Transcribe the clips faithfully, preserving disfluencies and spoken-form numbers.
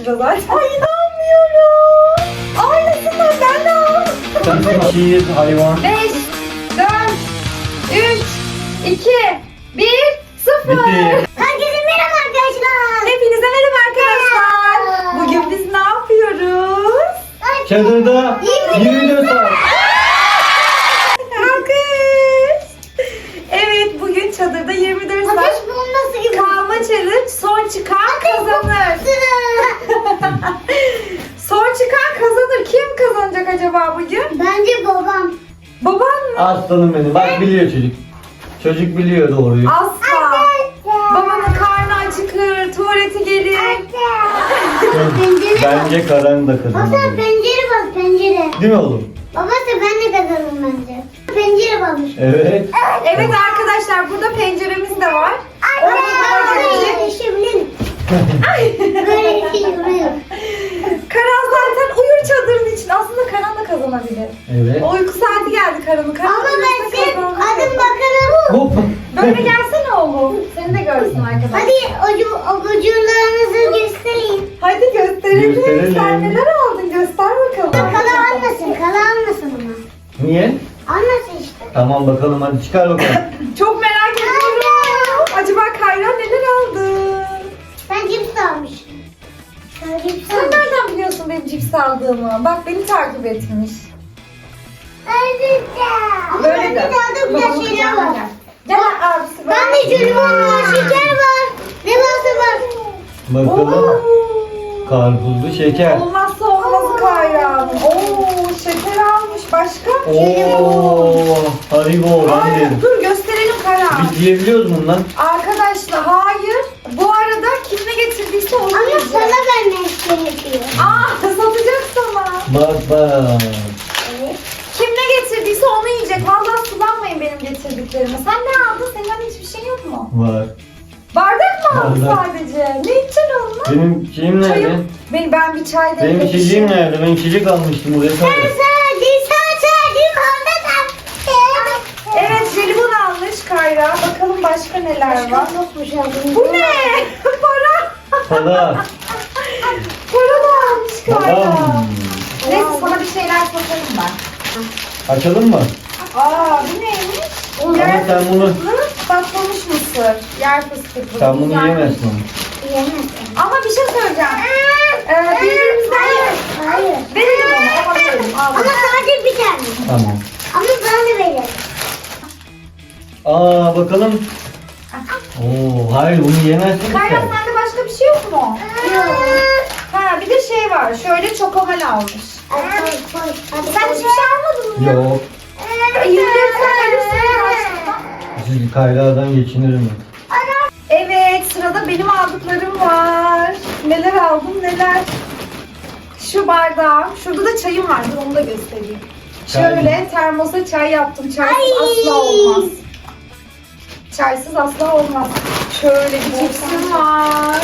şurada zaten. Ay inanmıyorum. Aynısından ben de aldım. Şiir, hayvan. beş, dört, üç, iki, bir, sıfır. Bitti. Herkese merhaba arkadaşlar. Hepinize merhaba arkadaşlar. Bugün biz ne yapıyoruz? Çadırda yirmi dört saat. Alkış. Evet, bugün çadırda yirmi dört saat Ateş bulunması gibi. kalma challenge. Son çıkan kazanır. Son çıkan kazanır. Kim kazanacak acaba bugün? Bence babam. Baban mı? Aslanım benim. Bak biliyor çocuk. Çocuk biliyor doğruyu. Asla. Babanın karnı acıkır, tuvaleti gelir. Pencere bak. Bence Karan da Baba kazanır. pencere bak pencere. Değil mi oğlum? Babası ben de kazanırım bence. Pencere bakmış. Evet. Evet arkadaşlar, burada penceremiz de var. Anne. Böyle yaşayabilirim. Böyle bir şey duruyor. Karan zaten uyur çadırın için. Aslında Karan da kazanabilir. Evet. O uyku saati geldi Karan'ın. Karan Ama uyursa ben senin kazanır. adım bakalım. Hop. Böyle gelsene oğlum. Seni de görsün arkadaşlar. Hadi ocu, ocularınızı göstereyim. Hadi gösterelim. Gösterelim. Sen neler aldın? Göster bakalım. Kala almasın, kala almasın ama. Niye? Almasın işte. Tamam bakalım hadi çıkar bakalım. Çok merak ediyorum. Acaba Kayra neler aldı? Ben cips almışım. Sen cips Sen almışsın. nereden biliyorsun benim cips aldığımı? Bak beni takip etmiş. Ama Böyle bende de. daha da güzel şeyler var. Gel abisi. Ben de jelibon var, şeker var. Ne varsa var. Bakalım. Karpuzlu şeker. Olmazsa olmazı Kayra'nın. Oo, şeker almış. Başka? Oo, Haribo ben Ay, derim. dur gösterelim Kayra. Biz yiyebiliyoruz bundan. Arkadaşlar hayır. Bu arada kim ne getirdiyse onu Ama yiyecek. sana vermek gerekiyor. Aa, satacak sana. Bak bak. Evet. Kim ne getirdiyse onu yiyecek. Vallahi sulanmayın benim getirdiklerime. Sen ne aldın? Senin hani hiçbir şey yok mu? Var. Bardak mı aldın Bardak. sadece? Ne içeceksin onunla? Benim şeyim nerede? Çayım. Ben, ben bir çay Benim demlemişim. içeceğim nerede? Ben içecek almıştım oraya. Ben Sadece. sadece sadece orada da. Evet, jelibon almış Kayra. Bakalım başka neler var. Yokmuş abi. Bu ne? Para. Para. Para da almış Kayra. Babam. Neyse sana bir şeyler satarım ben. Açalım mı? Aa, bu neymiş? Ama Yer sen bunu- fıstıklı, patlamış mısır. Yer fıstıklı. Sen bunu Güzel. yiyemezsin onu. Yiyemezsin. Ama bir şey söyleyeceğim. Ee, birbirimizden Hayır. verelim onu. Ama verelim. Al. Ama sadece bir tane. Tamam. Ama bana da verin. Aa bakalım. Oo hayır bunu yiyemezsin ki Kayra sen. sende başka bir şey yok mu? Yok. Ha, bir de şey var. Şöyle çokomal almış. Hadi koy koy. Hadi Sen koy. hiçbir şey almadın mı? Yok. yirmi dört saat ölürsün karşımda. Siz Kayra'dan geçinirim. Evet, sırada benim aldıklarım var. Neler aldım neler. Şu bardağım. Şurada da çayım var. Dur onu da göstereyim. Çay. Şöyle termosa çay yaptım. Çaysız Ay. asla olmaz. Çaysız asla olmaz. Şöyle bir cipsim var.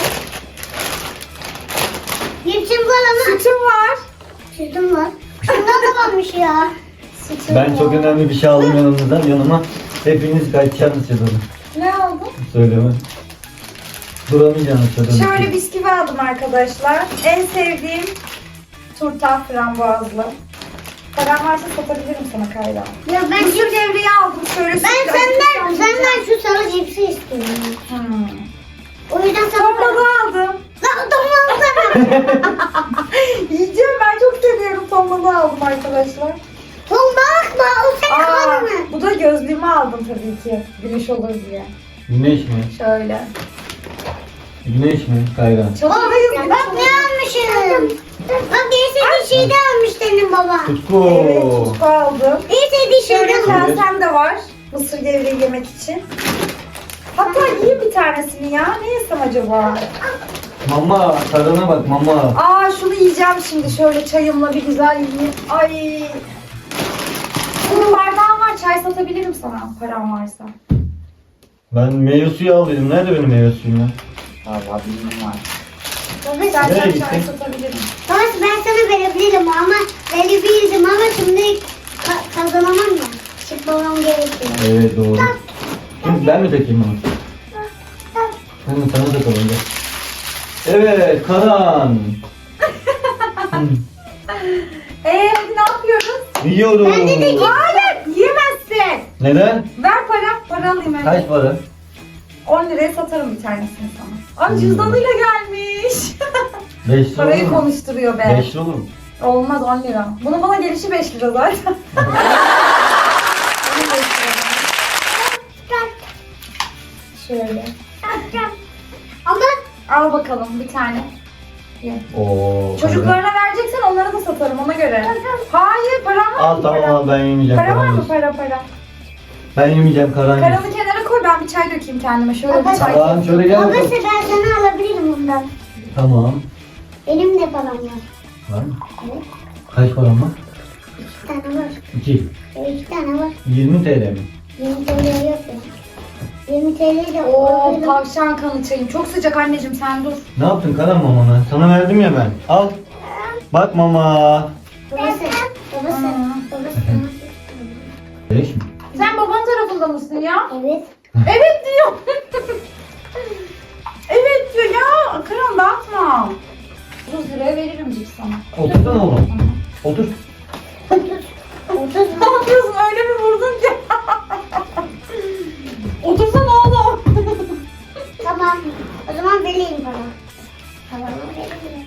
Cipsim var ama. Sütüm var. Sütüm var. Şundan da varmış ya. Sütüm Ben var. çok önemli bir şey aldım yanımızdan. Yanıma hepiniz kaçacaksınız çadırın. Ne aldın? Söyleme. Duramayacaksınız çadırın. Şöyle bisküvi aldım arkadaşlar. En sevdiğim turta frambuazlı. Param varsa satabilirim sana Kayra. Ya ben Mısır gevreği aldım şöyle. ben sütlü senden acı senden şu sarı cipsi istiyorum. Hmm. O yüzden sana Ton balığı aldım. Lan tamam tamam. Yiyeceğim, ben çok seviyorum. Ton balığı aldım arkadaşlar. Ton bakma o senin Aa, karnı. bu da gözlüğümü aldım tabii ki. Güneş olur diye. Güneş mi? Şöyle. Güneş mi Kayra? Çadırdayız. güneş Bak olur. ne almışım. Bak en sevdiği şeyi de almış senin baba. Tutku. Evet, tutku aldım. En sevdiği şeyi de Şöyle almış. kasem de var. Mısır gevreği yemek için. Hatta yiyeyim bir tanesini ya. Ne yesem acaba? Mama tadına bak mama. Aa, şunu yiyeceğim şimdi. Şöyle çayımla bir güzel yiyeyim. Ay. Bunun bardağım var. Çay satabilirim sana. Param varsa. Ben meyve suyu aldıydım. Nerede benim meyve suyum ya? Vallahi bilmiyorum var. Baba Nereye İstersen çay gittin? satabilirim. Babası ben sana verebilirim ama verebilirdim ama şimdi ka- kazanamam ya. Çıkmamam gerekiyor. Evet doğru. Şimdi ben mi takayım onu? Ben de sana takalım gel. Evet, Karan. Eee hadi ne yapıyoruz? Yiyoruz. Bende de Hayır yiyemezsin. Neden? Ver para. Para alayım hemen. Kaç para? on liraya satarım bir tanesini sana. Ay Hmm. cüzdanıyla gelmiş. beş lira olur Parayı mu? konuşturuyor be. beş lira olur mu? Olmaz on lira. Bunun bana gelişi beş lira zaten. Onun beş lira. Şöyle. Ama Al bakalım bir tane. Ye. Oo. Çocuklarına vereceksen onlara da satarım ona göre. Hayır param var Al mı? tamam Para? al, ben yemeyeceğim. Para var Karan mı yesin. para para? Ben yemeyeceğim, Karan yesin. Paranı kenara koy ben bir çay dökeyim kendime. Şöyle bir Baba, çay. Karan şöyle gel babası bakalım. ben sana alabilirim bundan. Tamam. Benim de param var. Var mı? Evet. Kaç param var? İki tane var. İki. Evet, iki tane var. yirmi T L mi? yirmi T L yok ya. yirmi T L de Oo alabilirim. tavşan kanı çayım. Çok sıcak anneciğim sen dur. Ne yaptın Karan mamana? Sana verdim ya ben. Al. Bak mama. Babası. Babası. Hmm. Babası. Beş mi? Sen baban tarafında mısın ya? Evet. Evet diyor. Evet diyor ya. Karan dağıtma. otuz liraya veririm cips sana. Otursana oğlum. Otur. otuz Ne yapıyorsun öyle bir vurdun ki. Otursana oğlum. Tamam. O zaman vereyim bana. Tamam vereyim.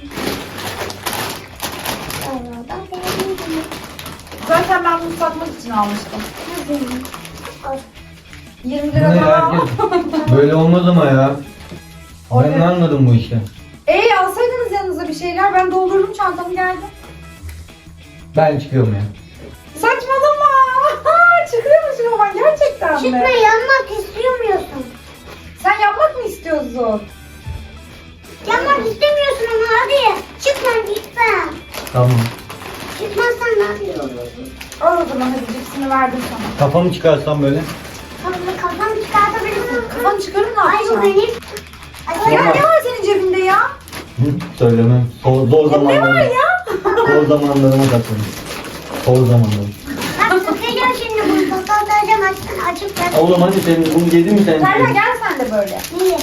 Tamam vereyim. Zaten ben bunu satmak için almıştım. Nasıl? Al. yirmi Bu lira ne daha. herkes? Böyle olmaz ama ya. Ben ne anladım bu işten? Eee alsaydınız yanınıza bir şeyler ben doldurdum çantamı geldim. Ben çıkıyorum ya. Saçmalama. Çıkıyor musun baban gerçekten Çıkma mi? yanmak istemiyorsun. Sen yapmak mı istiyorsun? Yanmak istemiyorsun ama hadi. Çıkma lütfen. Tamam. Çıkmazsan ne yapıyorsun? Al o zaman hadi cipsini verdim sana. Kafamı çıkarsam böyle. Kafamı kafanı çıkartabilirsin. Kafanı çıkarır ne Ay bu yapacaksın? benim. Ay, Ya Tamam. ne var senin cebinde ya? Hı, söylemem. Zor, zor Ya ne zamanlarım. var ya? Zor zamanlarıma katlandım. Zor zamanlarım. Bak sıkacağım şimdi bunu. Toplatacağım açsın açıp ver. Oğlum hadi senin bunu yedin mi sen? Serra gel sen de böyle. Niye?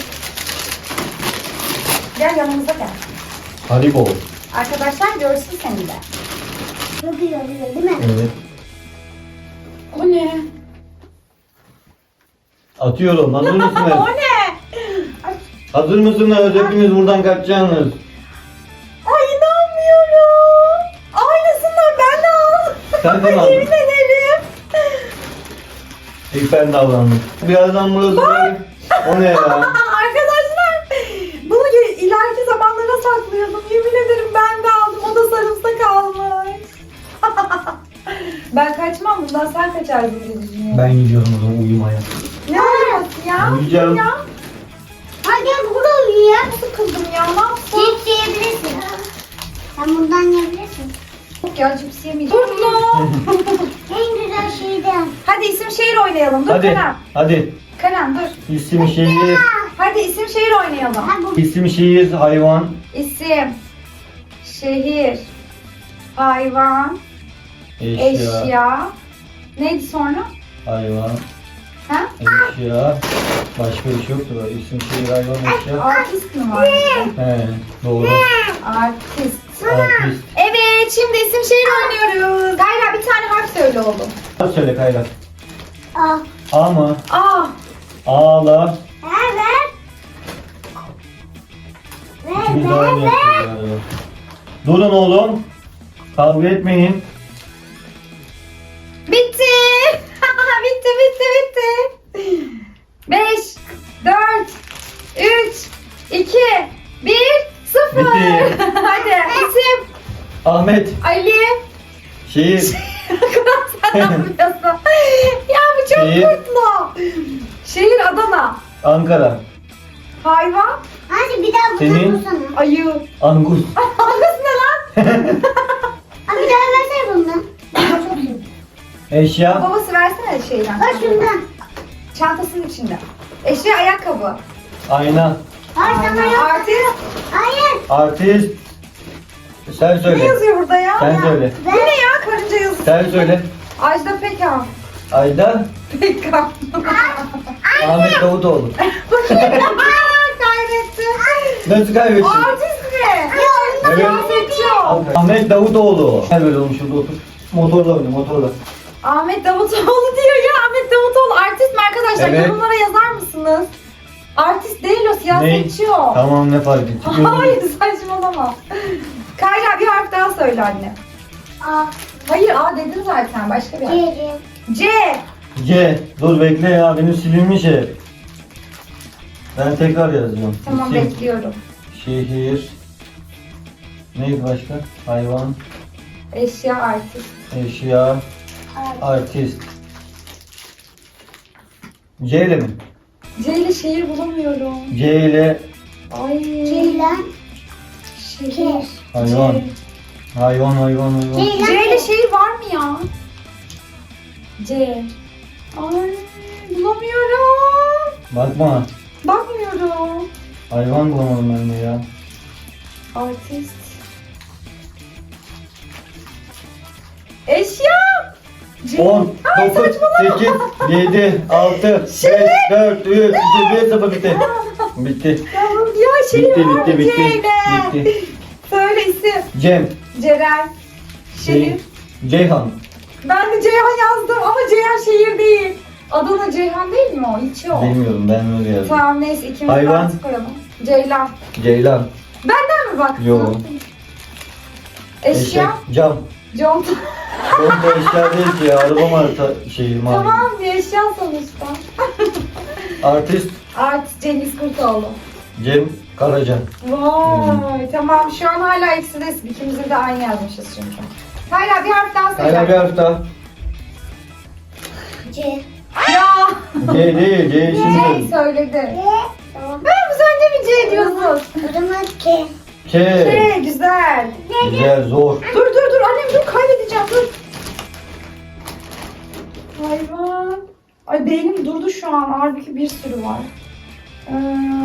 Gel yanımıza gel. Haribo. Arkadaşlar görsün seni de. Yapıyor diyor değil mi? Evet. O ne? Atıyorum. Hazır mısınız? O ne? Ay, Hazır mısınız? Hepiniz buradan kaçacaksınız. ay inanmıyorum. Aynısından ben de aldım. Sen de mi aldın? Yemin ederim. İlk ben davrandım. Birazdan burası böyle. O ne ya? Arkadaşlar bunu ge- ileriki zamanlara saklıyordum. Yemin ederim ben de aldım. O da sarımsak almış. Ben kaçmam bundan sen kaçarsın diye düşünüyorum. Ben gidiyorum o zaman uyumaya. Ne uyuması ya? Uyuyacağım. Ya. Ha gel burada uyu ya. Sıkıldım ya ne yapsam? Cips yiyebilirsin. Sen bundan yiyebilirsin. Yok ya cips yemeyeceğim. Dur mu? En güzel şeyden. Hadi isim şehir oynayalım. Dur Hadi. Karan. Hadi. Karan dur. İsim şehir. Hadi isim şehir oynayalım. Ha bu. İsim şehir hayvan. İsim, şehir, hayvan, Eşya. eşya. Neydi sonra? Hayvan. Ha? Eşya. Başka bir şey yoktu böyle. İsim şehir hayvan eşya. Artist mi var? He doğru. Artist. Artist. Evet, şimdi isim şehir oynuyoruz. Gayra bir tane harf söyle oğlum. Hadi söyle Kayra. Aa. A mı? A. Ağla. Ver ver. Ver İkimiz de ver aynı ver. yapıyoruz galiba. Durun oğlum. Kavga etmeyin. Bitti. bitti, bitti, bitti. Beş, dört, üç, iki, bir, sıfır. Bitti. Hadi isim Ahmet. Ali. Şehir. Sen ne yapıyorsun? Ya bu çok Şehir. mutlu. Şehir Adana. Ankara. Hayvan Hadi bir daha Senin? bunu bulsana. ayı. Angus. Angus ne lan? Ha bir daha versene bundan. Eşya. Babası versene şeyden. Ver şundan. Çantasının içinde. Eşya ayakkabı. Ayna. Hayır sana yok. Artist. Hayır. Artist. Sen Ne söyle. yazıyor burada ya? Sen söyle. Bu ne ya? Karınca yazısı. Sen söyle. Ajda Pekkan. Ayda. Pekkan. Ahmet Davutoğlu. Kaybetti. Nasıl kaybettin? Artist mi? Evet. Siyasetçi o. Ahmet Davutoğlu. Gel böyle oğlum şurada otur. Motorla oyna motorla. Ahmet Davutoğlu diyor ya. Ahmet Davutoğlu artist mi arkadaşlar? Evet. Yorumlara yazar mısınız? Artist değil o, siyasetçi o. Tamam ne fark etti? Hayır saçmalama. Kayra bir harf daha söyle anne. A. Hayır A dedin zaten, başka bir harf. C. C. C. Dur bekle ya benim silinmiş hep. Ben tekrar yazacağım. Tamam İsim, bekliyorum. şehir. Neydi başka? Hayvan, Eşya artist. eşya, artist. C ile mi? C ile şehir bulamıyorum. C ile Ay. Ceylan. Şehir. hayvan. C. Hayvan hayvan hayvan. Ceylan. C ile şehir var mı ya? C. Ay bulamıyorum. Bakma. Bakmıyorum. Hayvan bulamadım ben de ya. Artist. Eşya. C. on, Ay, dokuz, saçmalama. sekiz, yedi, altı, beş, Şimdi. dört, üç, iki, bir, sıfır bitti. Bitti. Tamam ya şehir Bitti, var bitti, mı bitti, C ile? bitti. Söyle isim. Cem, Ceren. Şehir. şey, Ceyhan. Ben de Ceyhan yazdım ama Ceyhan şehir değil. Adana Ceyhan değil mi o? İlçe o. Bilmiyorum ben öyle yazdım. Tamam neyse ikimiz Hayvan. artık koyalım. Ceylan. Ceylan. Benden mi baktın? Yo. Eşya. Eşek, cam. Conta. Oğlum da eşya değil ki ya. Araba marka şeyi mavi. Tamam bir eşya sonuçta. Artist Artist Cengiz Kurtoğlu. Cem Karaca. Vay tamam şu an hala eksidesin. İkimiz de aynı yazmışız çünkü. Hala bir harf daha söyle. Hala bir harf daha. C. Ya. C değil, C C şimdi. söyledi. C. Tamam. Ben bu sen de mi C diyorsun? O zaman K. K. C güzel. Güzel, zor. Dur dur dur annem dur kaybedeceğim dur. Hayvan. Ay beynim durdu şu an. Halbuki bir sürü var. Ee,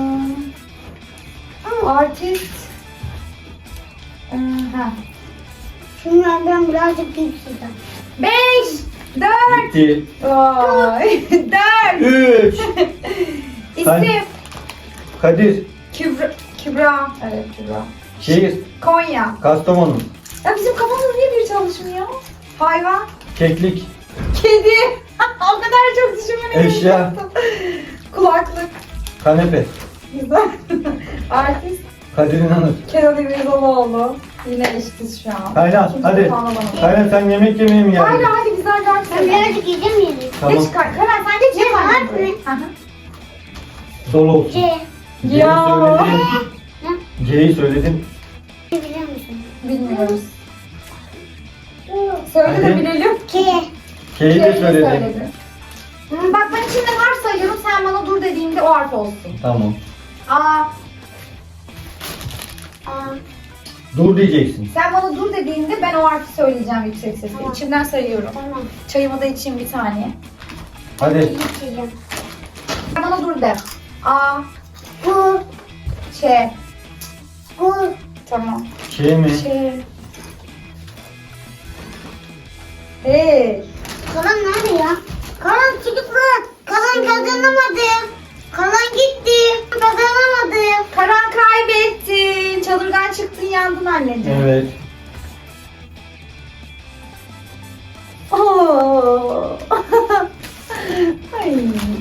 artist. Ee, ha. Şunlardan birazcık büyük sizden. Beş. Dört. Bitti. Ay, dört. Üç. İsim. Kadir. Kübra. Kübra. Evet Kübra. Şehir. Konya. Kastamonu. Ya bizim kafamız niye bir çalışmıyor? Hayvan. Keklik. Kedi. O kadar çok düşünmene gerek Eşya. yoktu. Kulaklık. Kanepe. Güzel. Artist. Kadir İnanır. Kenan İmirzalıoğlu. Yine eşitiz şu an. Kaynan Kimse hadi. puanlamadı. Kaynan sen yemek yemeye mi geldin? Hayır hadi güzel ders Ben söyle. birazcık yiyeceğim yedim. Tamam. Geç Kay- Karan sen geç. Ne geç var annem mı? buraya. Hı hı. Dolu olsun. C. C'yi Ya. söyledim. Ne? C'yi söyledim. Biliyor musun? Bilmiyoruz. Söyle de Hadi. bilelim. K. K'yi de Kelime söyledim. söyledi. Hı, Bak ben içinden harf sayıyorum. Sen bana dur dediğimde o harf olsun. Tamam. Aa, A. Dur diyeceksin. sen bana dur dediğinde ben o harfi söyleyeceğim yüksek sesle. Tamam. İçimden sayıyorum. Tamam. Çayımı da içeyim bir saniye. Hadi. İyi içeceğim. Sen bana dur de. A, Bu. Ç. Bu. Tamam. Ç mi? Ç. Hey. Kalan nerede ya? Kalan çocuklar. Kalan kazanamadı. Kalan gitti. Kazanamadı. Karan kaybettin. Çadırdan çıktın yandın anneciğim. Evet. Oo. Ay.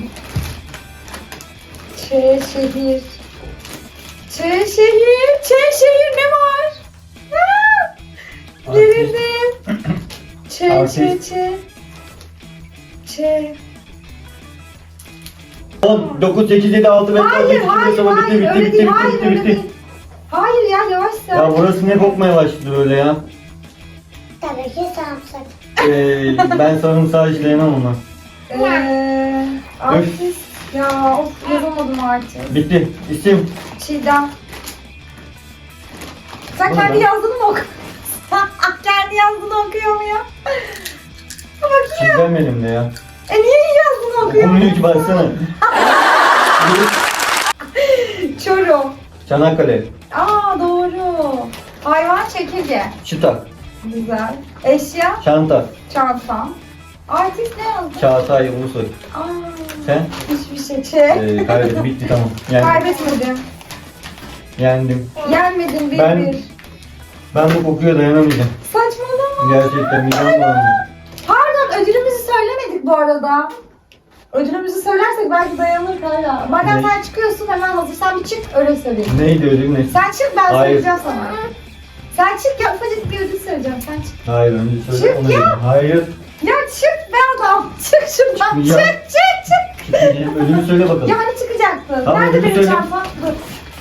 Ç şehir. Ç şehir. Ç şehir ne var? Ha! Gerildim. Ç ç Artist. ç. Ç. on, dokuz, sekiz, yedi, altı, beş, Hayır, altı, yedi, hayır, sekiz, dokuz, hayır, bitti, öyle bitti, değil, bitti, hayır, bitti, öyle bitti. değil. Hayır ya, yavaş sen. Ya burası ne kokmaya başladı böyle ya? Tabii ki sarımsak. Ee, ben sarımsağı işleyemem ona. Eee, artist. Ya of yazamadım artık. Bitti. İsim. Çiğdem. Sen Bu ne kendi lan? yazdığını mı okuyorsun? Kendi yazdığını okuyor mu ya? Bakayım. Çizmem elimde ya. E niye iyi yazdığını okuyor? Okumuyor ki baksana. Çorum. Çanakkale. Aa doğru. Hayvan çekirge. Çıta. Güzel. Eşya. Çanta. Çanta. Artist ne yazdın? Çağatay Ulusoy. Aa, Sen? hiçbir şey. Ç. Ee, kaybettim. Bitti tamam. Yani Kaybetmedim. Yendim. Yenmedin bir Ben- bir. Ben bu kokuya dayanamayacağım. Saçmalama. Gerçekten midem bulanıyor. Pardon, ödülümüzü söylemedik bu arada. Ödülümüzü söylersek belki dayanır Kayra. Madem Ne? sen çıkıyorsun hemen hazır. Sen bir çık öyle söyleyeyim. Neydi ödül ne? Sen çık ben Hayır. söyleyeceğim sana. Sen çık ya, ufacık bir ödül söyleyeceğim. Sen çık. Hayır önce söyle Çık ona ya. göre. Hayır. Ya çık be adam. Çık şuradan. Çıkmayacağım. Çık çık çık. Çıkmayacağım. Ödülü söyle bakalım. Ya hani çıkacaktın? Tamam, Nerede ödülü benim söyle. çantam? Dur.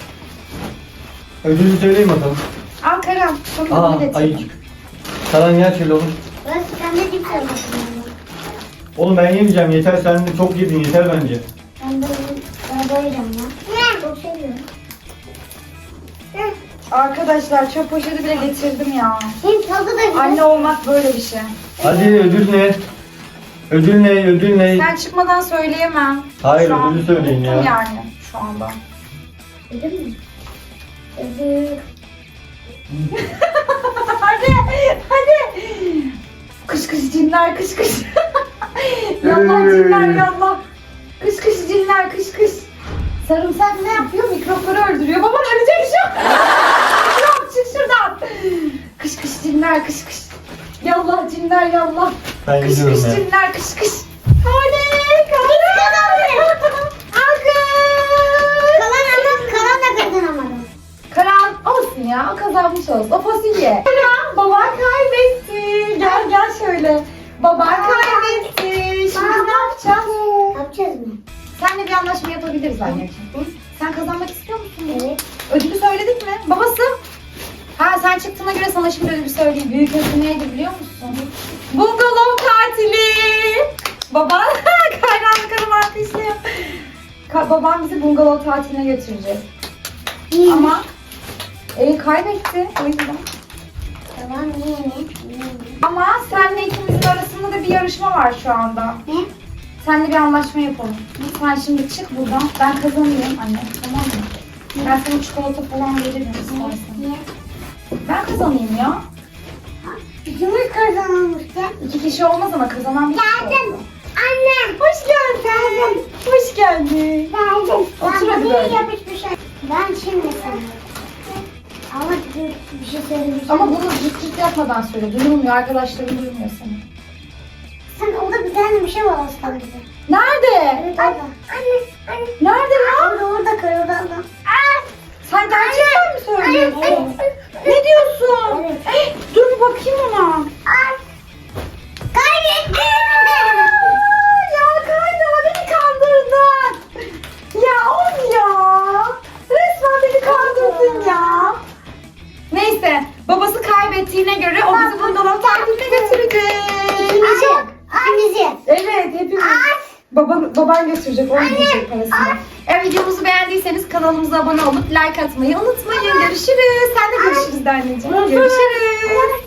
Ödülü söyleyin bakalım. Ankara. Çok Aa ödül getirdim. ayıcık. Karan gel şöyle oğlum. Ben sen de cips almasın. Oğlum ben yemeyeceğim yeter sen de çok yedin yeter bence. Ben de ben doyacağım ya. Ne? Çok seviyorum. Arkadaşlar çöp poşeti bile getirdim ya. Hem tadı da güzel. Anne olmak böyle bir şey. Hadi ödül ne? Ödül ne? Ödül ne? Sen çıkmadan söyleyemem. Hayır, Şu an ödülü söyleyin ya. unuttum yani şu anda. Ödül mü? Ödül. hadi hadi. Kış kış cinler kış kış. yallah cinler yallah. Kış kış cinler kış kış. Sarımsak ne yapıyor? Mikropları öldürüyor. Baban ölecek şu an. Mikrop çık şuradan. Kış kış cinler kış kış. Yallah cinler yallah. Ben Kış gidiyorum kış ya. cinler kış kış. Hadi kalın. Alkış. Kalan ama kalan da kazanamadım. Karan olsun ya, o kazanmış olsun. O fasulye. Karan, baban kaybetti. Gel gel şöyle. Baban kaybetti. Şimdi ne yapacağız? Yapacağız mı? Seninle bir anlaşma yapabiliriz anneciğim. Sen kazanmak istiyor musun? Evet. Ödülü söyledik mi? Babası. Ha sen çıktığına göre sana şimdi ödülü söyleyeyim. Büyük ödül neydi biliyor musun? Bungalov tatili. Baban kaynağını karım alkışlıyor. Ka- babam bizi bungalov tatiline götürecek. İyi. Ama e, kaybetti o yüzden. Tamam iyi mi? Ama seninle ikimizin arasında da bir yarışma var şu anda. Ne? Seninle bir anlaşma yapalım. Sen şimdi çık buradan. Ben kazanayım anne. Tamam mı? Ben sana çikolata falan veririm istersen. Niye? Ben kazanayım ya. Cumhur kazanılmıştı. İki kişi olmaz ama kazanan bir kişi Geldim. olsun. Anne. Hoş geldin. Hoş geldin. Geldim. Otur Ben hadi bir böyle. yapışmış. Ben şimdi sana. Ama bir, bir şey söyleyeceğim. Ama bunu cırt cırt yapmadan söyle. Duyulmuyor. Arkadaşların duymuyor seni. Sen orada bir tane bir şey var aslında. Nerede? Evet orada. Anne. Anne. Nerede ya? Orada orada kır orada. orada. Sen gerçekten mi söylüyorsun? Evet. Ne diyorsun? Evet. Eh, dur bir bakayım ona. Ay. Kaybettim. Ya Kayna beni kandırdın. Ya of ya. Resmen beni kandırdın ya. Neyse babası kaybettiğine göre o bizi bungalov tatiline götürecek. Annesi. Annesi. Evet hepimiz. Baban, baban götürecek, onu diyecek parasını. Eğer videomuzu beğendiyseniz kanalımıza abone olup like atmayı unutmayın. Görüşürüz. Sen de görüşürüz de anneciğim. Görüşürüz.